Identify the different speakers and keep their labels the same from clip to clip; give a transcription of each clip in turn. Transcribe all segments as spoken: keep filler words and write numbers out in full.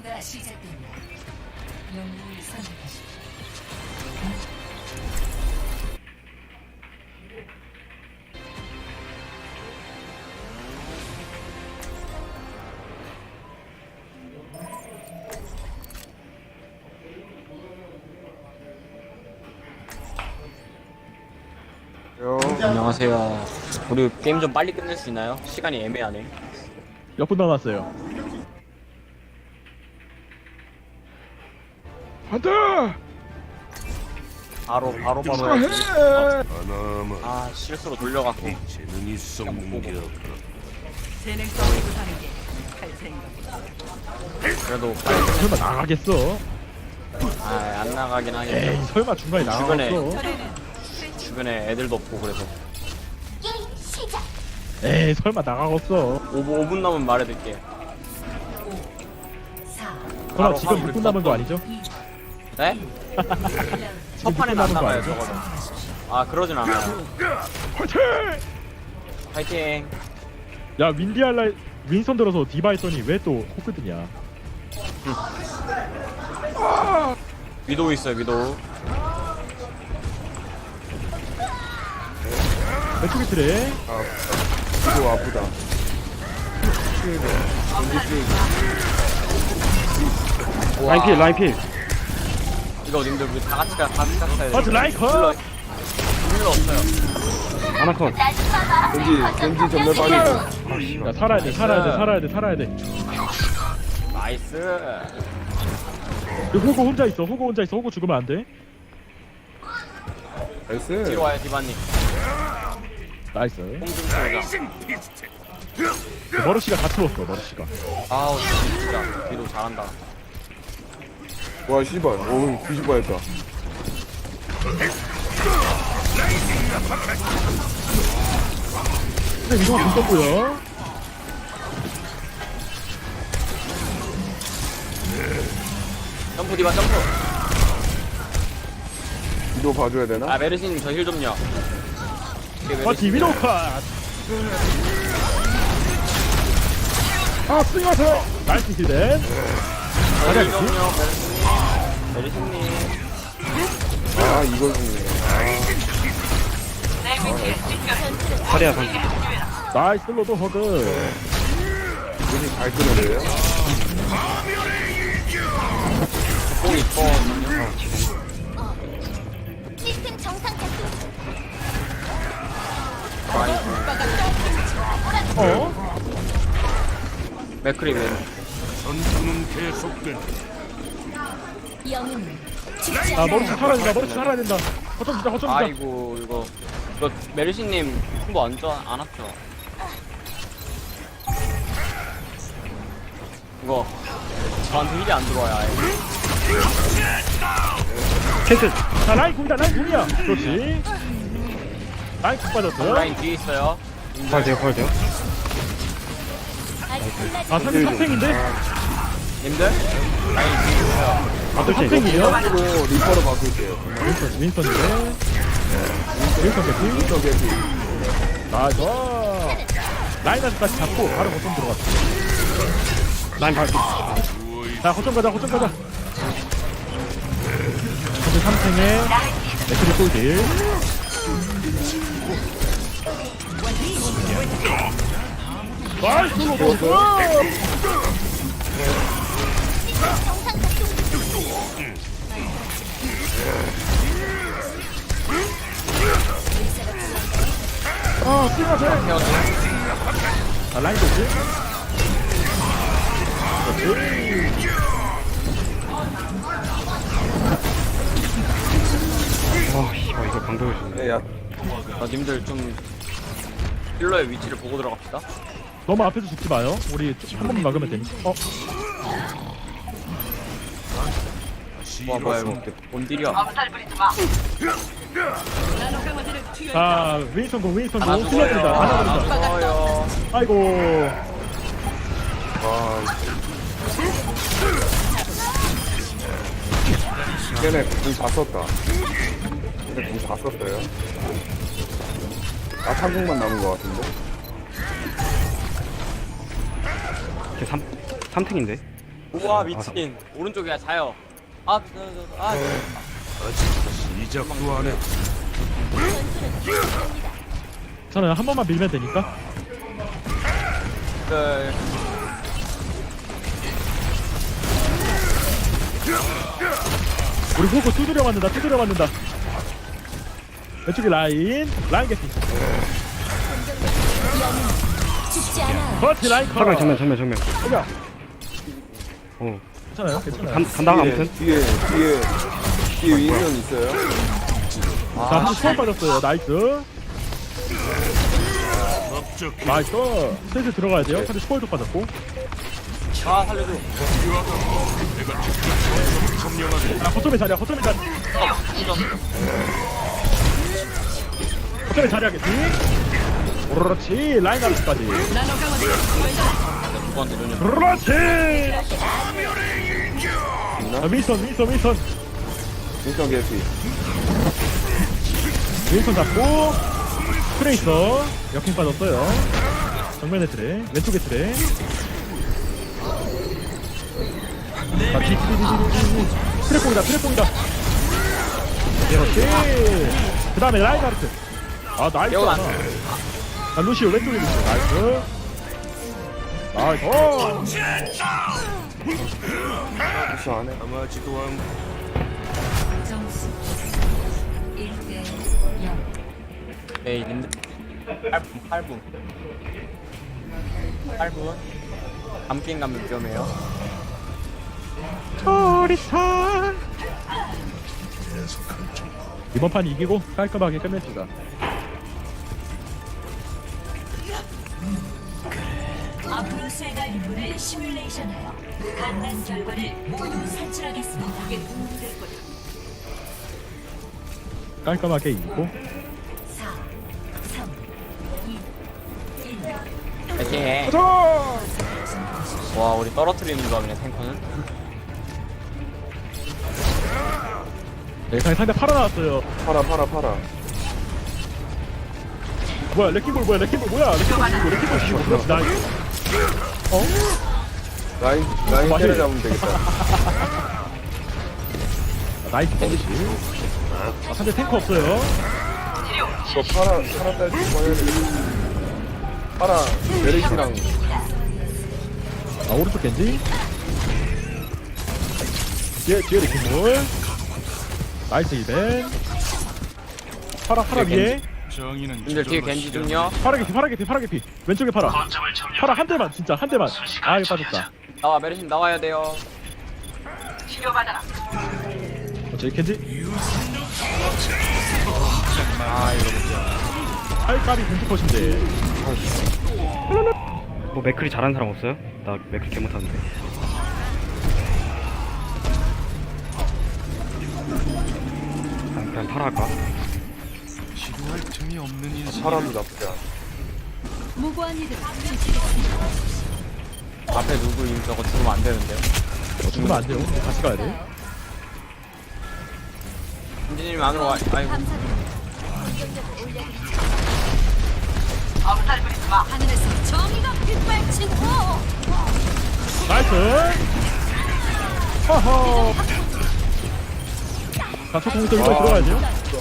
Speaker 1: 공격가 시작됩니다. 영웅을 선택하십시오.
Speaker 2: 안녕하세요. 우리 게임 좀 빨리 끝낼 수 있나요? 시간이 애매하네.
Speaker 3: 몇 분 남았어요? 안돼!
Speaker 2: 바로 바로 바로 해야지.
Speaker 4: 하나만
Speaker 2: 아 실수로 돌려갖고.
Speaker 4: 재능이 썩는 게 없다.
Speaker 1: 재능성을 구하는 게 할 생각이다.
Speaker 2: 그래도 빨리 끝내.
Speaker 3: 설마 나가겠어?
Speaker 2: 아안 나가긴
Speaker 3: 에이
Speaker 2: 하겠죠.
Speaker 3: 설마 중간에
Speaker 2: 주변에.
Speaker 3: 나가겠어?
Speaker 2: 주변에 애들도 없고 그래서.
Speaker 3: 에이 설마 나가겠어?
Speaker 2: 오 분 오 분 남으면 말해둘게.
Speaker 1: 사,
Speaker 3: 설마
Speaker 2: 바로
Speaker 3: 지금
Speaker 2: 하고
Speaker 3: 육 분 남은 거 아니죠?
Speaker 2: 네? 첫 판에
Speaker 3: 남은 거
Speaker 2: 나가요
Speaker 3: 아니죠?
Speaker 2: 적어도. 아 그러진 않아요.
Speaker 3: 화이팅!
Speaker 2: 파이팅.
Speaker 3: 야 윈디알라 윈선 들어서 디바 했더니 왜 또 코크드냐?
Speaker 2: 위도우 있어요 위도우.
Speaker 3: 왼쪽에 트레
Speaker 4: 이거 아프다.
Speaker 3: 라인 필 라인 필
Speaker 2: 이거 님들 우리 다 같이 가 같이 갔어요.
Speaker 3: 맞아 라이커!
Speaker 2: 힐러 없어요.
Speaker 3: 아나콘
Speaker 4: 겐지 겐지 전멸 빠지고.
Speaker 3: 야 살아야 돼 살아야 돼 살아야 돼 살아야 돼
Speaker 2: 나이스.
Speaker 3: 여기 호구 혼자 있어 호구 혼자 있어 호구 죽으면 안돼
Speaker 4: 나이스.
Speaker 2: 뒤로 와요 디바님.
Speaker 3: 나이스
Speaker 2: 뽕좀 쏘자.
Speaker 3: 머르시가 다 틀었어 머르시가
Speaker 2: 아우 진짜 위도우 잘한다.
Speaker 4: 와 씨발. 오 뒤집어야겠다.
Speaker 3: 근데 이거 좀 떴고요
Speaker 2: 점프 디바 점프.
Speaker 4: 이거 봐줘야 되나?
Speaker 2: 아 메르시님 저 힐 좀요. 이게
Speaker 3: 아
Speaker 2: 메르시.
Speaker 3: 디비노 컷! 아 스윙하세요! 나이스 힐댄
Speaker 2: 저 힐 좀요 메르시님. 메르시님.
Speaker 4: 아 이걸 죽네.
Speaker 3: 자리야 선 나이스 로드 허드
Speaker 4: 이분이 잘 끊어내요.
Speaker 2: 뽕 이뻐.
Speaker 5: 시스템 정상 작동.
Speaker 3: 어?
Speaker 2: 맥크리 왼.
Speaker 4: 전투는 계속된다.
Speaker 5: 영웅.
Speaker 3: 아 머리치 살아야 된다 머리치 살아야 된다 허점 주자 허점 주자
Speaker 2: 아이고 이거 이거 메르시님 승부 안 좋아 안 왔죠? 이거 저한테 힐이 안 들어와요 아예.
Speaker 3: 캐슬 자 라인 궁이다 라인 궁이야 그렇지 라인 궁 빠졌어요
Speaker 2: 라인 뒤에 있어요.
Speaker 3: 펄돼요 펄돼요
Speaker 5: 아직 끝나지
Speaker 3: 아 상대 탑탱인데?
Speaker 2: 님들 라인 뒤에 있어요.
Speaker 3: 아또 탑탱이에요?
Speaker 4: 로 리퍼로 바꿀게요.
Speaker 3: 윈선 윈선인데 윈선 개피
Speaker 4: 리퍼 개피.
Speaker 3: 나이스 라인한테까지 잡고 바로 거점 들어갔어 라인 발 자 거점 가자 거점 가자 현재 삼 탱에 맥크리 꿀딜 나이스 로드 아 뛰어가세 아 라인 좋지? 그렇지 아 씨발 이거 방벽을 주네
Speaker 4: 네, 야
Speaker 2: 어, 님들 좀 힐러의 위치를 보고 들어갑시다.
Speaker 3: 너무 앞에서 죽지 마요 우리 한 번만 막으면 되니까 어?
Speaker 2: 와 뭐야 이거 뭔딜이야.
Speaker 3: 자 윈선 공 윈선
Speaker 2: 하나
Speaker 3: 공
Speaker 2: 죽어요.
Speaker 3: 틀려드린다 하나
Speaker 2: 하나
Speaker 3: 드린다
Speaker 2: 죽어요.
Speaker 3: 아이고
Speaker 4: 와. 걔네 궁다 썼다. 걔네 궁다 썼어요. 아 삼국만 남은 것 같은데.
Speaker 6: 삼, 삼탱인데?
Speaker 2: 우와 미친. 오른쪽이야 자요. 아, 저, 저, 저, 아.
Speaker 6: 시작도 안 해.
Speaker 3: 괜찮아요. 한 번만 밀면 되니까.
Speaker 2: 그
Speaker 3: 우리 호구 두드려 맞는다. 두드려 맞는다. 왼쪽에 라인. 라인 개피.
Speaker 5: 죽지 않아.
Speaker 3: 그렇지 라인 커.
Speaker 7: 정면 정면 정면 정면.
Speaker 3: 오야.
Speaker 7: 어.
Speaker 3: 괜찮아요. 괜찮아요.
Speaker 7: 간, 간다
Speaker 4: 뒤에,
Speaker 7: 아무튼.
Speaker 4: 뒤에 뒤에 뒤에 윈선 있어요.
Speaker 3: 자, 한번 수월 빠졌어요. 나이스. 나이스. 슬슬 들어가야 돼요. 근데 수월도 빠졌고.
Speaker 2: 아 살려줘.
Speaker 3: 아, 거점의 자리야. 거점의 자리. 거점의 자리하겠지. 그렇지. 라인 아웃까지.
Speaker 2: 누구한테 전혀.
Speaker 3: 그렇지. 아, 윈선, 윈선, 윈선.
Speaker 4: 윈선 개피.
Speaker 3: 윈선 잡고. 트레이서. 역행 빠졌어요. 정면에 트레. 왼쪽에 트레. 자, 뒤, 뒤, 뒤, 뒤, 뒤, 뒤. 트랩공이다, 트랩공이다. 그렇지. 그 다음에 라인하르트. 아, 나이스.
Speaker 2: 배우 안
Speaker 3: 자, 루시오, 왼쪽에 루시오. 나이스. 나이스. 오!
Speaker 4: 혹시 안 해?
Speaker 6: 아마지도 않.
Speaker 1: 점수 일 대 영.
Speaker 2: 네 있는데. 팔 분, 팔 분. 팔 분. 감긴 가면 위험해요.
Speaker 3: 초리사. 이번 판 이기고 깔끔하게 끝냅시다.
Speaker 8: 앞으로 수행할 임무를 시뮬레이션하여 간단 결과를 모두 산출하겠습니다.
Speaker 1: 이게 도움이 될 거야.
Speaker 3: 깔끔하게 이기고.
Speaker 8: 사, 삼, 이, 일.
Speaker 2: 파이팅.
Speaker 3: 가자.
Speaker 2: 와 우리 떨어뜨리는 조합이네 탱커는.
Speaker 3: 예상에 상대 팔아 나왔어요.
Speaker 4: 팔아 팔아 팔아.
Speaker 3: 뭐야 레킹볼 뭐야 레킹볼 뭐야 레킹볼 씌고 레킹볼 씌고 그렇지 나이스. 어?
Speaker 4: 라인 라인
Speaker 3: 맞아요.
Speaker 4: 때려잡으면 되겠다.
Speaker 3: 나이스 버리지. 아 상대 탱커 없어요.
Speaker 4: 이거 팔아 팔아 딸 좀 해야 되겠다. 팔아 메르시랑
Speaker 3: 아 오른쪽 겐지. 뒤에 뒤에 레킹볼. 나이스 이벤. 파라 파라 위에.
Speaker 6: 정의는
Speaker 2: 님들 뒤에 겐지 좀요.
Speaker 3: 파라 개피 파라 개피 파라 개피. 왼쪽에 파라. 파라 한 대만 진짜 한 대만. 아 이거 빠졌다.
Speaker 2: 나와 메르신 나와야 돼요.
Speaker 3: 어, 저기 겐지.
Speaker 2: 아 이거
Speaker 3: 팔까비 겐지 컷인데.
Speaker 7: 뭐 맥클이 잘하는 사람 없어요? 나 맥클 개 못하는데. 그냥, 그냥 팔아 할까?
Speaker 6: 시도할 틈이 없는 인생.
Speaker 4: 팔아도 나쁘지 않아.
Speaker 1: 무고한 이들
Speaker 2: 앞에 누구 임 저거 죽으면 안 되는데요.
Speaker 3: 어, 죽으면 안 돼요. 같이 가야 돼.
Speaker 2: 김진님 안으로 와. 아이고.
Speaker 1: 하늘에서 정의가 빗발치고
Speaker 3: 나이스. 허허. 자, 첫 공부터 이번에 들어가야죠.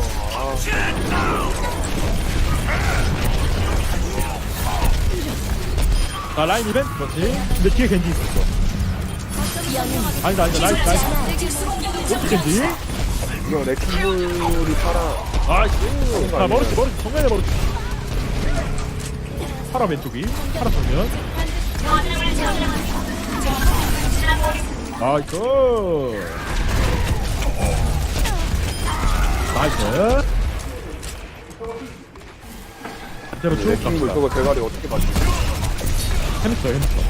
Speaker 3: 자, 라인 이벤? 그렇지. 근데 뒤에 겐지 있었어. 아니다, 아니다, 나이스, 나이스. 오른쪽 겐지.
Speaker 4: 이거 레킹볼이 팔아.
Speaker 3: 나이스. 자, 머리치, 머리치, 정면에 머리치. 파라 왼쪽이. 파라 정면. 나이스. 나이스. 그대로 쭉
Speaker 4: 레킹볼
Speaker 3: 갑시다.
Speaker 4: 저거 대가리 어떻게 맞지?
Speaker 3: 재밌어, 재밌어.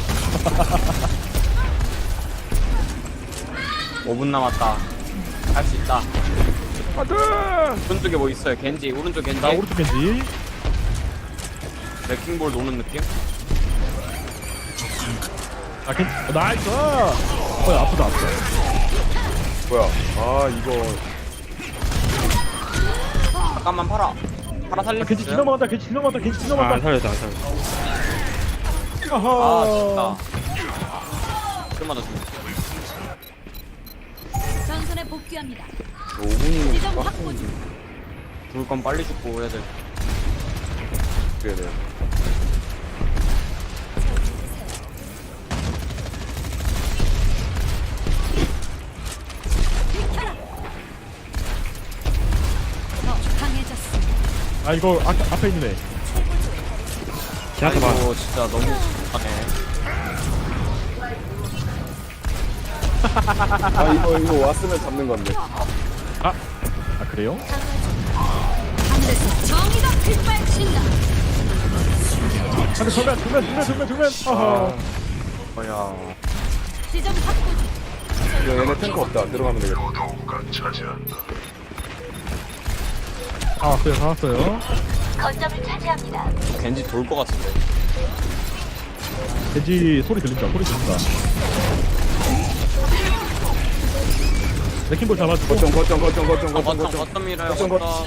Speaker 2: 오 분 남았다. 할 수 있다.
Speaker 3: 안돼.
Speaker 2: 오른쪽에 뭐 있어요? 겐지. 오른쪽 겐지.
Speaker 3: 나 오른쪽 겐지.
Speaker 2: 레킹볼 노는 느낌?
Speaker 3: 아, 겐지. 어, 나이스. 어, 아프다, 아프다.
Speaker 4: 뭐야? 아 이거
Speaker 2: 잠깐만 팔아. 팔아 살릴
Speaker 3: 아,
Speaker 2: 수
Speaker 3: 겐지
Speaker 2: 있어요?
Speaker 3: 지나간다, 겐지 지나간다, 겐지
Speaker 7: 아, 안
Speaker 3: 지나간다.
Speaker 7: 살려줘 안 살려줘.
Speaker 2: 아
Speaker 3: 아하.
Speaker 2: 좋다. 때마다 죽네.
Speaker 5: 전선에 복귀합니다.
Speaker 4: 오 분이
Speaker 5: 지점 확보 중.
Speaker 2: 죽을 건 빨리 죽고 해야 돼.
Speaker 4: 그래야 돼.
Speaker 5: 더 강해졌습니다.
Speaker 3: 아 이거 아, 앞에 있는 애.
Speaker 7: 제한테 봐.
Speaker 2: 아이고 진짜 너무 하네.
Speaker 4: 아 이거 이거 왔으면 잡는 건데.
Speaker 3: 아, 아 그래요?
Speaker 5: 하늘에서 정의가 빛발친다.
Speaker 3: 근데 정면 정면 정면 정면 정면. 아하.
Speaker 2: 뭐야.
Speaker 5: 지점 확보 중.
Speaker 4: 이거 얘네 탱크 없다. 들어가면 되겠다.
Speaker 3: 아 왔어요 다 왔어요.
Speaker 8: 거점을 차지합니다.
Speaker 2: 겐지 돌 것 같은데.
Speaker 3: 돼지 소리 들린다 소리 들린다. 레킹볼 잡아주고.
Speaker 4: 거점 거점 거점 거점
Speaker 2: 아,
Speaker 4: 거점
Speaker 2: 거점
Speaker 4: 거점.
Speaker 2: 거점 밀어요.
Speaker 4: 거점,
Speaker 2: 거점.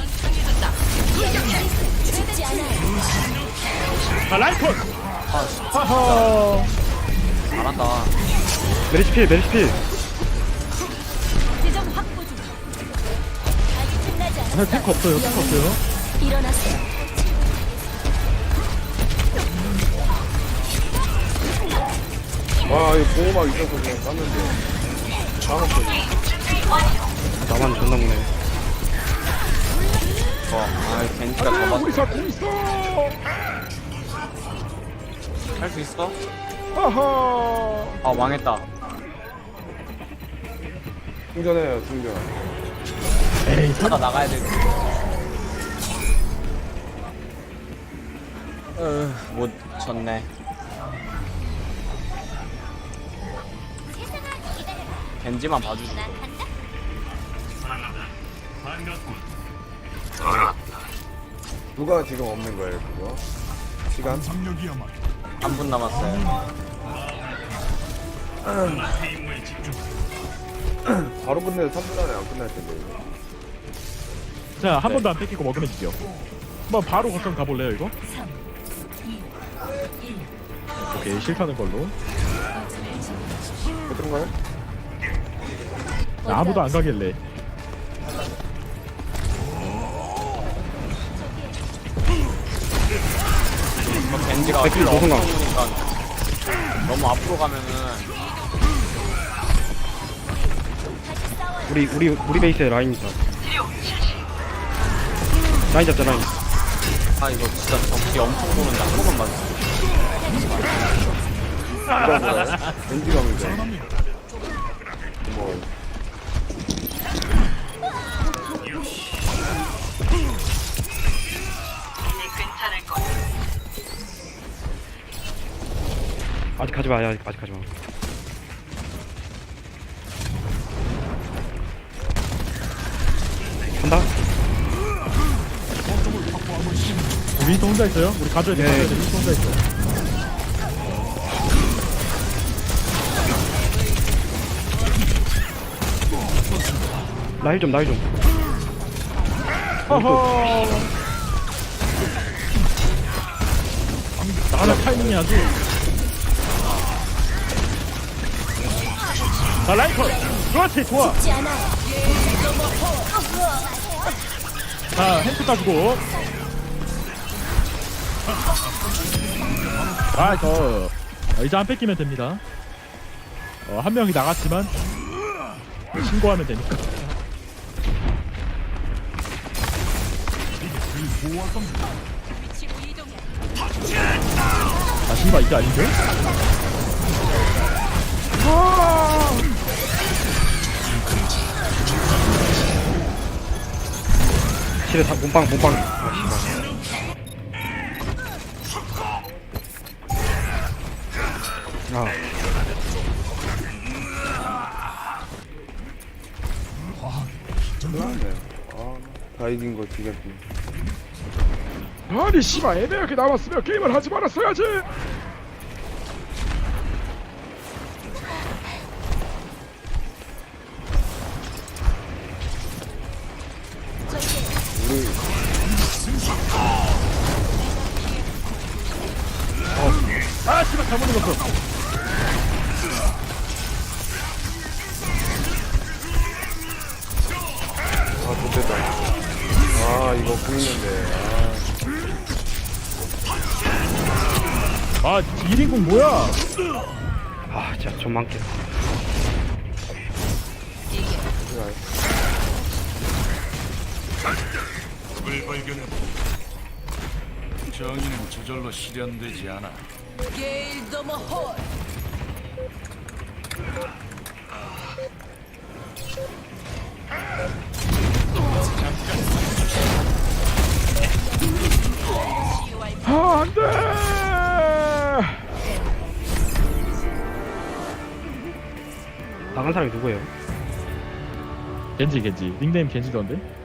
Speaker 5: 죽지 않아요.
Speaker 3: 아 라이콘.
Speaker 2: 아 진짜
Speaker 3: 하하.
Speaker 2: 잘한다.
Speaker 7: 메리시필 메리시필.
Speaker 5: 지점 확보 중. 아직 끝나지
Speaker 3: 아,
Speaker 5: 않았어요.
Speaker 3: 탱크 없어요 탱크 없어요.
Speaker 5: 일어났어요.
Speaker 4: 와 이거 보호막 있어서 그냥 쐈는데. 다음없어.
Speaker 7: 나만 존나 무네.
Speaker 2: 어, 아 겐지가 잡았어.
Speaker 3: 우리 사공 있어.
Speaker 2: 할 수 있어?
Speaker 3: 하하.
Speaker 2: 아 망했다.
Speaker 4: 충전해요 충전.
Speaker 3: 에이
Speaker 2: 하나 나가야 돼. 어못 쳤네. 겐지만 봐주지.
Speaker 4: 누가 지금 없는 거예요 그거? 시간?
Speaker 2: 한 분 남았어요.
Speaker 4: 바로 끝내도 삼 분 안에 안 끝날 텐데 이거.
Speaker 3: 자, 한
Speaker 2: 네.
Speaker 3: 번도 안 뺏기고 먹으면 이겨. 한번 바로 거점 가볼래요, 이거?
Speaker 8: 삼, 이, 일.
Speaker 3: 오케이, 실타는 걸로.
Speaker 4: 어떤가요?
Speaker 3: 나 아무도 안 가길래.
Speaker 2: 뭐 겐지가
Speaker 7: 백킬
Speaker 2: 힐
Speaker 7: 노선강.
Speaker 2: 엄청 오니까 너무 앞으로 가면은
Speaker 7: 우리 우리 우리 베이스에 라인 있다. 라인 잡자 라인.
Speaker 2: 아 이거 진짜 적기 엄청 보는데 한 번만 맞았어.
Speaker 4: 누가 뭐야? 벤지가 문제. 뭐
Speaker 7: 아직 가지 마. 아직 아직 가지 마. 간다.
Speaker 3: 우리 윈스턴 혼자 있어요? 우리 가져야 돼,
Speaker 7: 네.
Speaker 3: 가져야 돼. 윈스턴 혼자 있어.
Speaker 7: 나힐 좀, 나힐 좀.
Speaker 3: 허허. 나가는 타이밍이 아주. 자, 라이컨! 그렇지, 좋아!
Speaker 5: 죽지 않아요.
Speaker 3: 자, 햄스 따주고. 아, 저, 어, 이제 안 뺏기면 됩니다. 어, 한 명이 나갔지만, 신고하면 되니까. 아, 씨발, 이게 아닌데?
Speaker 7: 실에 다 몸빵, 몸빵. 아, 씨발. 아,
Speaker 4: 끝났네. 아, 다 이긴 거 지금.
Speaker 3: 아니, 씨발, 애매하게 남았으면 게임을 하지 말았어야지!
Speaker 4: 우리
Speaker 3: 아, 씨발, 잘못 눌렀어.
Speaker 4: 뭐 보이는데.
Speaker 3: 아 일 인공 뭐야?
Speaker 7: 아 진짜 좀 많게.
Speaker 6: 적을 발견해. 정의는 저절로 실현되지 않아.
Speaker 3: 아 안돼.
Speaker 7: 나간 사람이 누구예요?
Speaker 3: 겐지 겐지 닉네임 겐지던데?